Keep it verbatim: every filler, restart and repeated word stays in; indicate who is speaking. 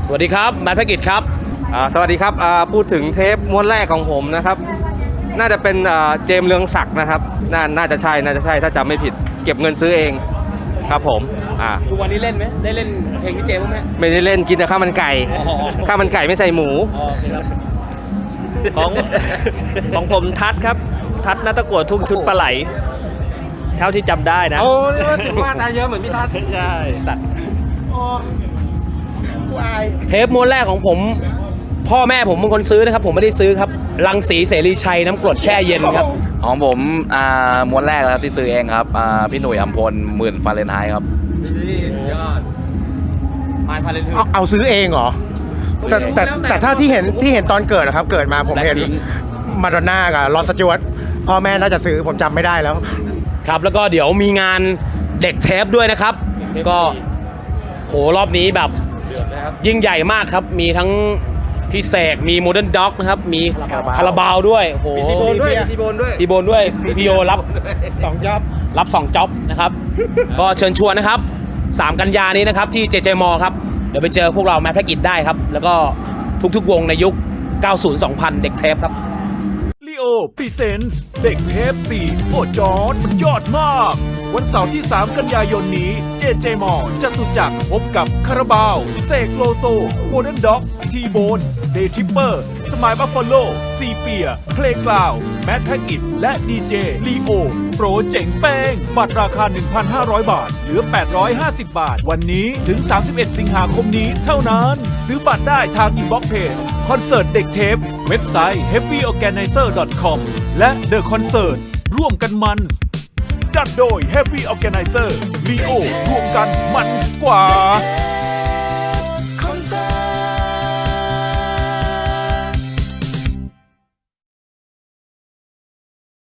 Speaker 1: สวัสดีครับแมทแพ็กกิจครับ
Speaker 2: สวัสดีครับพูดถึงเทปม้วนแรกของผมนะครับน่าจะเป็นเจมส์เรืองศักดิ์นะครับน่าน่าจะใช่น่าจะใช่ถ้าจำไม่ผิดเก็บเงินซื้อเองครับผมอ่า
Speaker 1: ทุกวันนี้เล่นไหมได้เล่นเพลงพี่เจมส์ไหม
Speaker 2: ไม่ได้เล่นกินแต่ข้าวมันไก่ข้าวมันไก่ไม่ใส่หมู
Speaker 3: ของของผมทัดครับทัดนัตะกั่วทุ่งชุดปลาไหลเท่าที่จำได้นะ
Speaker 2: โอ้นี่ว่าถึงว่าตายเยอะเหมือนพี่ทัศน์
Speaker 3: ใช่
Speaker 1: สัตว์เทปม้วนแรกของผมพ่อแม่ผมเป็นคนซื้อนะครับผมไม่ได้ซื้อครับรังสีเสรีชัยน้ำกรดแช่เย็นครับ
Speaker 4: ของผมอ่าม้วนแรกแล้วที่ซื้อเองครับอ่าพี่หนุ่ยอัมพลหมื่นฟาเรนไฮต์ครับ
Speaker 2: ยอด
Speaker 1: ไม่ฟาเรนไฮต์
Speaker 5: เอาเอาซื้อเองเหรอแต่แต่แต่ถ้าที่เห็นที่เห็นตอนเกิดนะครับเกิดมาผมเห็นมาดอนน่ากับลอสจวตพ่อแม่น่าจะซื้อผมจำไม่ได้แล้ว
Speaker 1: ครับแล้วก็เดี๋ยวมีงานเด็กเทปด้วยนะครับก็โหรอบนี้แบบยิ่งใหญ่มากครับมีทั้งพี่เสกมีโมเดิร์นด็อกนะครับมีคาราบาวด้วยโห
Speaker 2: ทีโบนด้วยทีโบนด้วย
Speaker 1: ทีโบนด้วยพี่โยรับ
Speaker 5: สองจ็อบ
Speaker 1: รับสองจ็อบนะครับก็เชิญชวนนะครับสามกันยานี้นะครับที่ เจ เจ มอ ครับเดี๋ยวไปเจอพวกเราแมทแพ็กอิทได้ครับแล้วก็ทุกๆวงในยุค เก้าสิบ สองพัน เด็กเทปครับ
Speaker 6: ลีโอพรีเซนส์เด็กเทปสี่โอ้จอร์ดมันยอดมากวันเสาร์ที่สามกันยายนนี้ เจ เจ มอ จตุจักรพบกับคาราบาวเสกโลโซโมเดิร์นด็อกทีโบนเดย์ทริปเปอร์สมายบัฟฟาโลซีเปียเพลงกล่าวแมทแพ็กอิทและดีเจลีโอโปรเจ๋งแป้งบัตรราคา หนึ่งพันห้าร้อย บาทเหลือ แปดร้อยห้าสิบ บาทวันนี้ถึง สามสิบเอ็ด สิงหาคมนี้เท่านั้นซื้อบัตรได้ทางอินบ็อกซ์เพจคอนเสิร์ตเด็กเทปเว็บไซต์ เฮฟวี่ออร์แกไนเซอร์ ดอท คอม และ The Concert ร่วมกันมันจัดโดย Heavy Organizer ลีโอร่วมกันมันกว่า